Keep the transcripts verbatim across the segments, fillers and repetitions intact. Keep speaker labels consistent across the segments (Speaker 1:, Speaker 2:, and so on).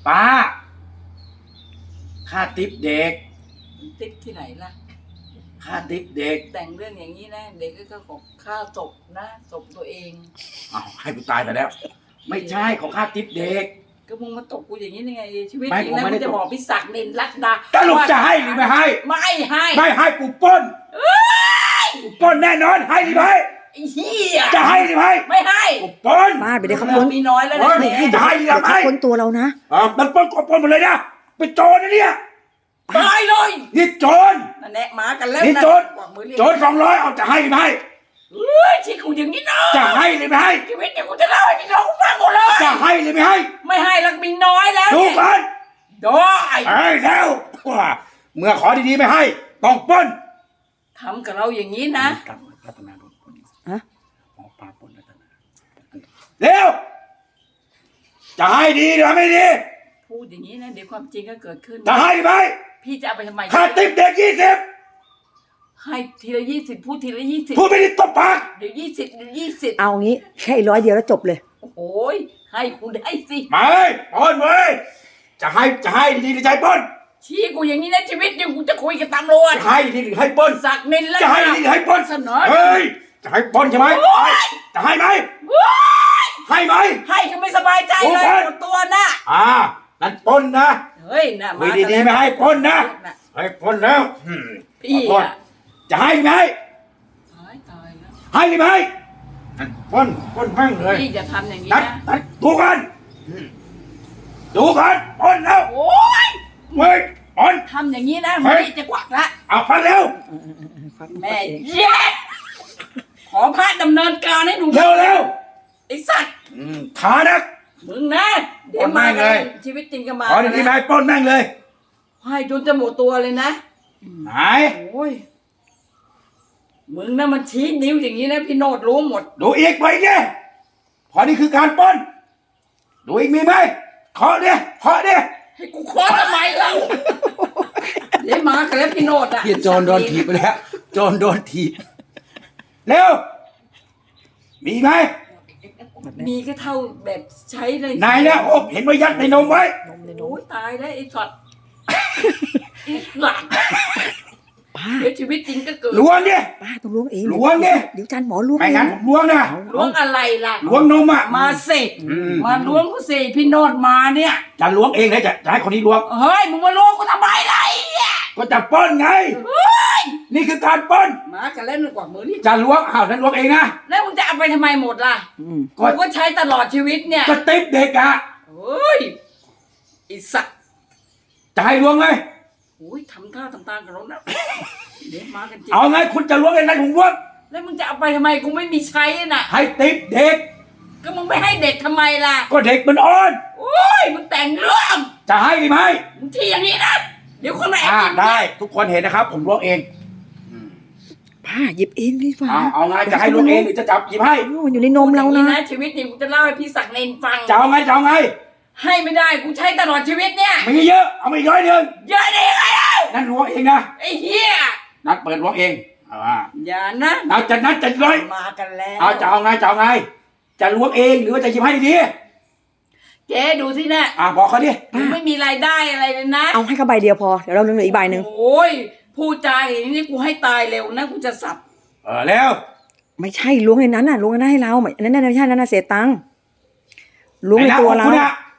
Speaker 1: ป้าค่าติ๊บเด็ก
Speaker 2: ติ๊กที่ไหนล่ะ
Speaker 1: ค่าติ๊บเด็ก
Speaker 2: แต่งเรื่องอย่างนี้นะเด็กก็ขอค่าศพนะศพตัวเอง
Speaker 1: อ้าวให้กูตายไปแล้วไม่ใช่ของค่าติ๊บเด็ก
Speaker 2: ก็มึงมาตกกูอย่างนี้ได้ไงชีวิตจริงนะมึงจะบอกพิศักดิ์เนนรัตดา
Speaker 1: ตลกจะให้หรือไม่ให้
Speaker 2: ไม่ให้
Speaker 1: ไม่ให้กูป้นกูป้นแน่นอนให้หรือไม่
Speaker 2: ไอ้เหี้ย
Speaker 1: จะให้หรือไม่
Speaker 2: ไม่ให้
Speaker 1: กูป้น
Speaker 3: ป้าไปเดี๋ยวเขาพ้น
Speaker 2: มีน้อยแล้วนะ
Speaker 1: ไม่ให้จะให้หรือไม่
Speaker 3: พ้นตัวเรานะ
Speaker 1: อ่ามันป้นก็ป้นหมดเลยนะเป็นโจรนะเนี่ย
Speaker 2: ตายเลย
Speaker 1: นี่โจร
Speaker 2: นั่นแหละมากันแล้ว
Speaker 1: นี่โจรโจรสองร้อยเอาจะให้หรือไม่
Speaker 2: เฮ้ยชีกูอย่างนี้นะ
Speaker 1: จะให้หรือไม่ให้
Speaker 2: ชีวิตเนี่ยกูจะเล่าให้พี่น้องฟังหมดเลย
Speaker 1: จะให้หรือไม่ให้
Speaker 2: ไม่ให้แล้วมีน้อยแล้ว
Speaker 1: ดูกัน
Speaker 2: ได้
Speaker 1: เอ้ยแล้วเมื่อขอดีๆไม่ให้ต้องป้น
Speaker 2: ทำกับเราอย่างนี้นะ
Speaker 1: รัตนาโดนป้น
Speaker 3: ฮะ
Speaker 1: หมอปลาป้นรัตนาเร็วจะให้ดีหรือไม่ดี
Speaker 2: พูดอย่างนี้นะเดี๋ยวความจริงก็เกิดขึ้น
Speaker 1: จะให้ไหม
Speaker 2: พี่จะเอาไปทำไม
Speaker 1: ค่าติ๊บเด็กยี่สิบ
Speaker 2: ให้ทีละยี่สิบพูดทีละยี่สิบ
Speaker 1: พูดไม่ได้ตบปาก
Speaker 2: เดี๋ยวยี่สิบเดี๋ยวยี่สิบ
Speaker 3: เอางี้แค่ร้อยเดียวแล้วจบเลย
Speaker 2: โอ้ยให้คุณได้สิ
Speaker 1: ไม่ป้นเว้ยจะให้จะให้ดีหรือจะให้ป้น
Speaker 2: ชี้กูอย่างนี้นะชีวิตยังกูจะคุยกับตำรวจ
Speaker 1: จะให้ดีหรือให้ป้น
Speaker 2: สักนินแล้ว
Speaker 1: จะให้ดีหรือให้ป้น
Speaker 2: เสนอ
Speaker 1: เฮ้ยจะให้ป้นใช่ไหมจะให้ไหมให้ไหม
Speaker 2: ให้ก็ไม่สบายใจเลยหมดตัวนะ
Speaker 1: อ่านั่นป้นนะ
Speaker 2: เฮ้ยนะ
Speaker 1: คุยดีๆไม่ให้ป้นนะให้ป้นแล้ว
Speaker 2: พี่
Speaker 1: จะให้ไหม
Speaker 2: ตายตายแล้ว
Speaker 1: ให้ไหมป้นป้นแม่งเลย
Speaker 2: พี่จะทำอย่างนี้นะ
Speaker 1: ดูกันดูกันป้นแล้ว
Speaker 2: โอ้ย
Speaker 1: เฮ้ยป้น
Speaker 2: ทำอย่างนี้นะพี่จะกวักละ
Speaker 1: เอาฟังเร็ว
Speaker 2: แม่เย็ดขอพระดำเนินการให้ดู
Speaker 1: เร็วเร็ว
Speaker 2: ไอ้สัตว์
Speaker 1: ขานัก
Speaker 2: มึงนะเดี๋ยวมาเลยชีวิตจริงก็มา
Speaker 1: ขอดีๆไม่ป้นแม่งเลย
Speaker 2: ให้จนจะหมดตัวเลยนะ
Speaker 1: ไหน
Speaker 2: โอ้ยมึงนะมันชี้นิ้วอย่างนี้นะพี่โนดรู้หมด
Speaker 1: ดูอีกไปเนี่ยพอนี่คือการป้นดูอีกมีไหมขอเนี่ยขอเนี่ย
Speaker 2: ให้กูขอทำไมเราเดี๋ยวมากันแล้วพี่โนดอ่ะ
Speaker 1: โจรโดนถีบไปแล้วโจรโดนถีบเร็วมีไหม
Speaker 2: มีก็เท่าแบบใช้เลย
Speaker 1: นายนะโอ้เห็นว่ายัดในนมไว้
Speaker 2: โอ้ยตายแล้วไอ้สัตว์ไอ้หลังเดี๋ยวชีวิตจริงก็เกิด
Speaker 1: ล้วงเนี่ย
Speaker 3: ป้าต้องล้วงเอง
Speaker 1: ล้วงเนี่ย
Speaker 3: เดี๋ยวจันหมอล้วง
Speaker 1: ไม่งั้นผมล้วงนะ
Speaker 2: ล้วงอะไรล่ะ
Speaker 1: ล้วงนมอ่ะ
Speaker 2: มาสิมาล้วงกูสิพี่โนดมาเนี่ย
Speaker 1: จะล้วงเองเลยจะจะให้คนนี้ล้วง
Speaker 2: เฮ้ยมึงมาล้วงกูทำไมล่ะ
Speaker 1: ก็จะป้นไงนี่คือการป้น
Speaker 2: มากันเล่นกว่ามือนี่
Speaker 1: จะล้วงอ้าวนั่นล้วงเองนะ
Speaker 2: แล้วมึงจะเอาไปทำไมหมดล่ะกูก็ใช้ตลอดชีวิตเนี่ย
Speaker 1: ก็ติ๊บเด็กอ่ะ
Speaker 2: เฮ้ยไอ้สัตว์
Speaker 1: จะให้ล้วงไหม
Speaker 2: โอ้ยทำท่าทำตากับเรานะเดี๋ยวมากันจริง
Speaker 1: เอาไงคุณจะล้วงเองนะผมล้วง
Speaker 2: แล้วมึงจะเอาไปทำไมกูไม่มีใช้น่ะ
Speaker 1: ให้ติ๊บเด็ก
Speaker 2: ก็มึงไม่ให้เด็กทำไมล่ะ
Speaker 1: ก็เด็กมันอ่อน
Speaker 2: โอ้ยมึงแต่งเรื่อง
Speaker 1: จะให้หรือไม่
Speaker 2: มึงที่อย่างนี้นะเดี๋ยวคนมาแอบ
Speaker 1: ได้ทุกคนเห็นนะครับผมล้วงเอง
Speaker 3: ป้าหยิบเองดีกว่า
Speaker 1: เอาไงจะให้ล้วงเองหรือจะจับหยิบให้
Speaker 3: มันอยู่ในนมเรานะ
Speaker 2: ชีวิตนี้กูจะเล่าให้พี่ศักดิ์เนนฟัง
Speaker 1: จะเอาไงจะเอาไง
Speaker 2: ให้ไม่ได้กูใช้ตลอดชีวิตเนี่ย
Speaker 1: ไม่เยอะเอาไม่ย้อยเดิน
Speaker 2: เยอะได้ไงเล่า
Speaker 1: นั่นล้วงเองนะ
Speaker 2: ไอ้เหี้ย
Speaker 1: นัดเปิดล้วงเองเอาว่า
Speaker 2: อย่านะ
Speaker 1: เอาจะนัดจะร้อย
Speaker 2: มากันแล้ว
Speaker 1: เอาจะเอาไงจะเอาไงจะล้วงเองหรือว่าจะหยิบให้ดี
Speaker 2: ๆเจ๊ดูสินะ
Speaker 1: อ่ะบอกเขาดิ
Speaker 2: ไม่มีรายได้อะไรเลยนะ
Speaker 3: เอาให้เขาใบเดียวพอเดี๋ยวเราเหลืออีกใบหนึ่ง
Speaker 2: โอ้ยพูดจาอย่างนี้กูให้ตายเร็วนะกูจะสับ
Speaker 1: เออแล้ว
Speaker 3: ไม่ใช่ล้วงในนั้นน่ะล้วงนั้นให้เราอันนั้นไม่ใช่นั่นน่ะเสียตังค์ล้วงในตัวเรา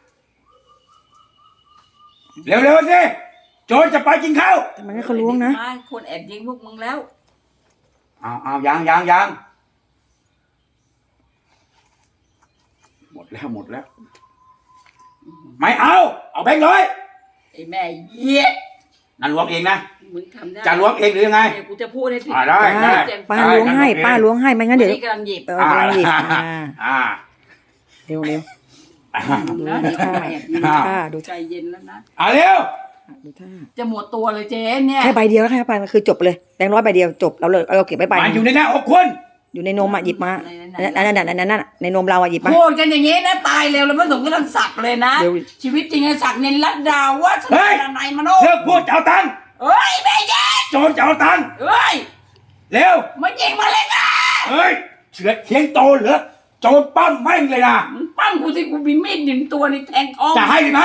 Speaker 1: เร็วๆสิโจรจะไปกินข้าว
Speaker 3: ทำไมให้เขาล้วงนะ
Speaker 2: คนแอบยิงพวกมึงแล้ว
Speaker 1: เอาเอายังยังยังหมดแล้วหมดแล้วไม่เอาเอาแบงค์ร้อย
Speaker 2: ไอ้แม่เหี้ย
Speaker 1: นั่นล้วงเองนะ
Speaker 2: มึงทำได้
Speaker 1: จะล้วงเองหรือยังไง
Speaker 2: กูจะพูดให้ผิด
Speaker 1: ได้ได้
Speaker 3: ป้าล้วงให้ป้าล้วงให้ไม่งั้นเดี๋ยว
Speaker 2: กำลังหยิบ
Speaker 3: เออกำลังหยิบ
Speaker 1: อ่า
Speaker 3: เร็วเร็ว
Speaker 2: นะดูท่าดูท่าดูใจเย็นแล้วนะ
Speaker 1: อ่าเร็ว
Speaker 3: ดูท่า
Speaker 2: จะหมดตัวเลยเจ๊เนี่ย
Speaker 3: แค่ใบเดียวแล้วแค่ใบมันคือจบเลยแบงค์ร้อยใบเดียวจบเราเลยเราเก็บไว้ใบ
Speaker 1: มันอยู่ในหน้าอกคุณ
Speaker 3: อยู่ในนมอ่ะหยิบมานั่นนั่นนั่นนั่นในนมเราอ่ะหยิบมา
Speaker 2: พูดกันอย่างนี้นะตายเร็วแล้วไม่สมก็ต้องสักเลยนะชีวิตจริงไอ้สักเน้นรัดดาวว่าสนานในมโน
Speaker 1: เลิกพูดจะเอาตังค์
Speaker 2: เฮ้ยแม่ยัด
Speaker 1: โจรจะเอาตังค์
Speaker 2: เฮ้ย
Speaker 1: เร็ว
Speaker 2: มายิงมาเลยนะ
Speaker 1: เฮ้ยเฉือดเทียงโตเหรอโจรปั้มแม่งเลยนะ
Speaker 2: ปั้มกูสิกูมีมีดหนึ่งตัวในแทงท้อง
Speaker 1: จะให้หรือไม่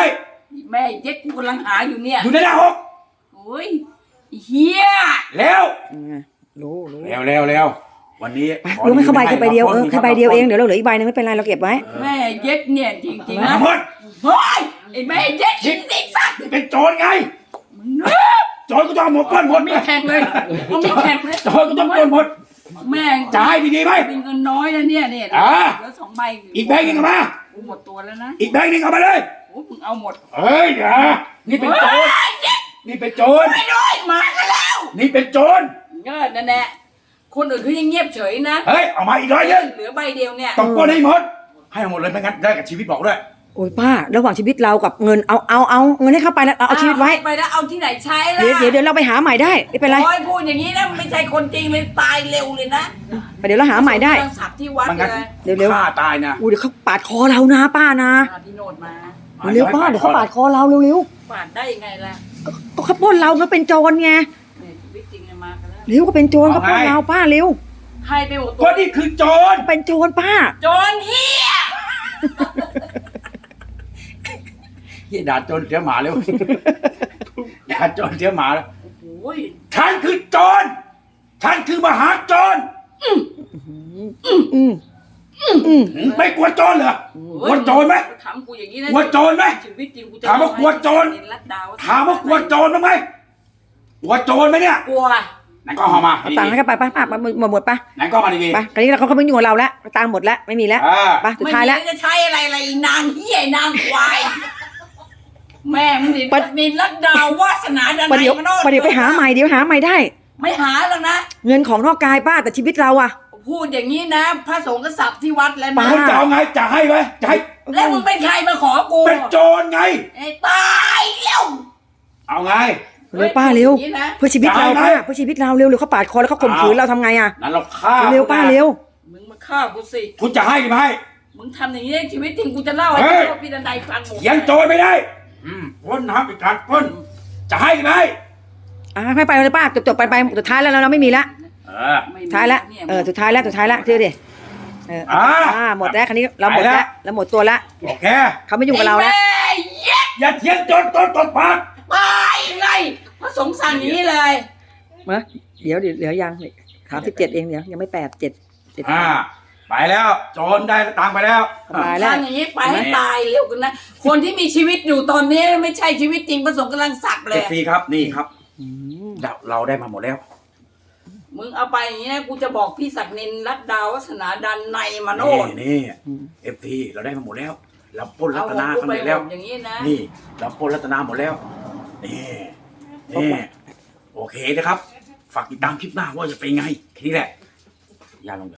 Speaker 2: แม่เย็ดกูกำลังหาอยู่เนี่ย
Speaker 1: อยู่ในหน้าหก
Speaker 2: โอ้ยไอ้เฮีย
Speaker 1: แล้ว
Speaker 3: อืมรู้รู้
Speaker 1: แล้วแล้วแล้ววันนี้
Speaker 3: ไปลุงให้เข้าใบแค่ใบเดียวเออแค่ใบเดียวเองเดี๋ยวเราเหลืออีกใบนึงไม่เป็นไรเราเก็บไว้
Speaker 2: แม่เย็ดเนี่ยจริงๆ
Speaker 1: มา
Speaker 2: นะ
Speaker 1: หมด
Speaker 2: เฮ้ยไอ้แม่เย็ดจริงไอ้สัตว์
Speaker 1: นี่เป็นโจรไง
Speaker 2: มึงเนอะ
Speaker 1: โจรก็ต้องเอาหมดปล้นหมด
Speaker 2: มีแข่งเลยเอามีแข่งเลย
Speaker 1: โจรก็ต้องปล้นหมด
Speaker 2: แม่ง
Speaker 1: จะให้ดีๆไหม
Speaker 2: มีเงินน้อยนะเนี่ยเนี่ย
Speaker 1: อ่า
Speaker 2: เหลือสองใบ
Speaker 1: อีกใบหนึงเอามา
Speaker 2: กูหมดตัวแล้วนะ
Speaker 1: อีกใบหนึงเอามาเลย
Speaker 2: โอ้มึงเอาหมด
Speaker 1: เฮ้ยอย่านี่เป็นโจร
Speaker 2: เฮ้ยเย็ด
Speaker 1: นี่เป็นโจร
Speaker 2: ไปด้วยมากันแล้ว
Speaker 1: นี่เป็นโจร
Speaker 2: เงินนั่นแหละคนอื่นเขายังเงียบเฉยนะ
Speaker 1: เฮ้ยเอามาอีกร้อยหนึง
Speaker 2: เหลือใบเดียวเนี่ย
Speaker 1: ต้องปล้นให้หมด ให้หมดเลยไม่งั้นได้กับชีวิตบอกด้วย
Speaker 3: โอ้ยป้าระหว่างชีวิตเรากับเงินเอาเอาเอาเงินให้เข้าไปแล้วเอาเอาชีวิตไว้
Speaker 2: ไปแล้วเอาที่ไหนใช้ล่ะ
Speaker 3: เดี๋ยวเดี๋ยวเดี๋ยวเราไปหาใหม่ได้ไม่เป็นไร
Speaker 2: โอ้ยพูดอย่างนี้นะไม่ใช่คนจริงเลยตายเร็วเลยนะ
Speaker 3: ไปเดี๋ยวเราหาใหม่ได้
Speaker 2: ต้องสับที่วัด
Speaker 1: มันงั้น
Speaker 2: เลย
Speaker 3: เดี๋ยวเร็ว
Speaker 1: ฆ่าตายนะ
Speaker 3: อู้เดี๋ยวเขาปาดคอเรานะป้านะ
Speaker 2: พาพี่โนดมา
Speaker 3: เร็วๆป้าเดี๋ยวเขาปาดคอเราเร็ว
Speaker 2: ปาดได้ยังไงล่ะ
Speaker 3: ๆก็เขาปล้นเราก็เป็นโจรไง
Speaker 2: เนี่ยชีวิตจริงเนี่ยมากันแล้ว
Speaker 3: เร็วก็เป็นโจรเขาปล้นเราป้าเร็ว
Speaker 2: ให้ไปหมดตั
Speaker 1: ก็
Speaker 2: ว
Speaker 1: นี่คือโจร
Speaker 3: เป็นโจรป้า
Speaker 2: โจรเฮีย
Speaker 1: เฮียด่าโจรเสียหมาเร็ว ด่าโจรเสียหมาแล้ว
Speaker 2: โอ้ย
Speaker 1: ฉันคือโจร ฉันคือมหาโจร
Speaker 3: อืมอืม
Speaker 1: ไม่กลัวโจรเหรอ กลัวโจรไหม
Speaker 2: ถามกูอย่างนี้นะ
Speaker 1: กลัวโจรไหม
Speaker 2: ชีวิตจริงกูจะ
Speaker 1: ถามว่ากลัวโจร
Speaker 2: รัดดาว
Speaker 1: ถามว่ากลัวโจรบ้างไหมกลัวโจรไหมเนี่ย
Speaker 2: กลัว
Speaker 1: ไหนก็เอามา
Speaker 3: เอาตังค์ให้กันไปป้าป้าหมดหมดหมดป้า
Speaker 1: ไหนก็มาดี
Speaker 3: ไปคราวนี้เราเขาเขาไม่ยุ่งกับเราแล้วตังค์หมดแล้วไม่มีแล้ว
Speaker 1: ๆอ่า
Speaker 3: ไปสุดท้ายแล้ว
Speaker 2: ไม่มีจะใช้อะไรอะไรอีนางเฮียนางควายแม่มึงนี่
Speaker 3: ปะ
Speaker 2: นินรัดดาววาสนาดัน
Speaker 3: ประเดี๋ยว
Speaker 2: มาโนด
Speaker 3: ประเดี๋ยวไปหาใหม่เดี๋ยวหาใหม่ได้
Speaker 2: ไม่หาหรอกนะ
Speaker 3: เงินของนอกกายป้าแต่ชีวิตเราอะ
Speaker 2: พูดอย่างนี้นะพระสงฆ์ก็สับที่วัดแล้ว
Speaker 3: ป้า
Speaker 2: นะ
Speaker 1: คุณจะเอาไงจะให้ไหมจะให้
Speaker 2: แล้วมึงเป็นใครมาขอกู
Speaker 1: เป็นโจรไง
Speaker 2: ไอ้ตายเร็ว
Speaker 1: เอาไง
Speaker 3: เร็วป้าเร็ว
Speaker 2: พูดอย่างนี้นะ
Speaker 3: เพื่อชีวิตเรา
Speaker 1: ได้ไหม
Speaker 3: ป้าเพื่อชีวิตเราเร็วเร็วเขาปาดคอแล้วเขาข่มขืนเราทำไงอะ
Speaker 1: นั้นเราฆ่า
Speaker 3: เร็วป้าเร็ว
Speaker 2: มึงมาฆ่ากูสิ
Speaker 1: คุณจะให้หรือไม่ให้
Speaker 2: มึงทำอย่างนี้ชีวิตจริงกูจะเล่าให้
Speaker 1: เฮ้ย
Speaker 2: พ่อพี่ดันไดฟังหมด
Speaker 1: เถียงโจรไม่ได้ อืมปล้นนะครับเป็นการปล้น จะให้หรือไม่ให้
Speaker 3: อ่ะให้ไปเลยป้าจบจบไปไปสุดท้ายแล้วเราไม่มีละ
Speaker 1: เออ
Speaker 2: ไม่มี
Speaker 3: สุดท้ายแล้ว
Speaker 2: นี่
Speaker 3: เออสุดท้ายแล้วสุดท้ายแล้วเชื่อดิเออ
Speaker 1: อ่า
Speaker 3: อ่าหมดแล้วคันนี้เราหมด
Speaker 1: ไปแล้
Speaker 3: แล้ว วเราหมดตัวละ
Speaker 1: โอเค
Speaker 3: เขาไม่ยุ่งกับเราแล้ว
Speaker 2: ไอ้แม่เย็ด
Speaker 1: อย่าเถียงโจรโจรตบปาก
Speaker 2: ตายไงพระสงฆ์สั่งอย่างนี้เลย
Speaker 3: มาเดี๋ยวเดี๋ยวเหลือยังสามสิบเจ็ดเองเดี๋ยวยังไม่แปดเจ็ดเจ็ด
Speaker 1: อ่า ไปแล้ว โจรได้ตังค์ไปแล้ว
Speaker 3: ตายแล้ว
Speaker 2: ทำอย่างนี้ไปให้ตายเร็วกันนะ คนที่มีชีวิตอยู่ตอนนี้ไม่ใช่ชีวิตจริงพระสงฆ์กำลังสักเล
Speaker 1: เอย ฟซีครับนี่ครับ
Speaker 3: อืม
Speaker 1: เราเราได้มาหมดแล้ว
Speaker 2: มึงเอาไปอย่างนี้นะกูจะบอกพี่ศักดิ์นินรัตดาวัฒนาดันในมาโน
Speaker 1: นี่
Speaker 2: ด
Speaker 1: นี่เอฟซีเราได้มาหมดแล้ว เราปล้นรั
Speaker 2: เอา
Speaker 1: ต
Speaker 2: ของ
Speaker 1: นา
Speaker 2: กู
Speaker 1: กัน
Speaker 2: ไป
Speaker 1: ไป
Speaker 2: หม
Speaker 1: แล้ว
Speaker 2: ดอย่างนี้นะ
Speaker 1: นี่ เราปล้นรัตนาหมดแล้ว นี่นี่โอเคนะครับ ฝากติดตามคลิปหน้าว่าจะเป็นไงแค่นี้แหละ อย่าลง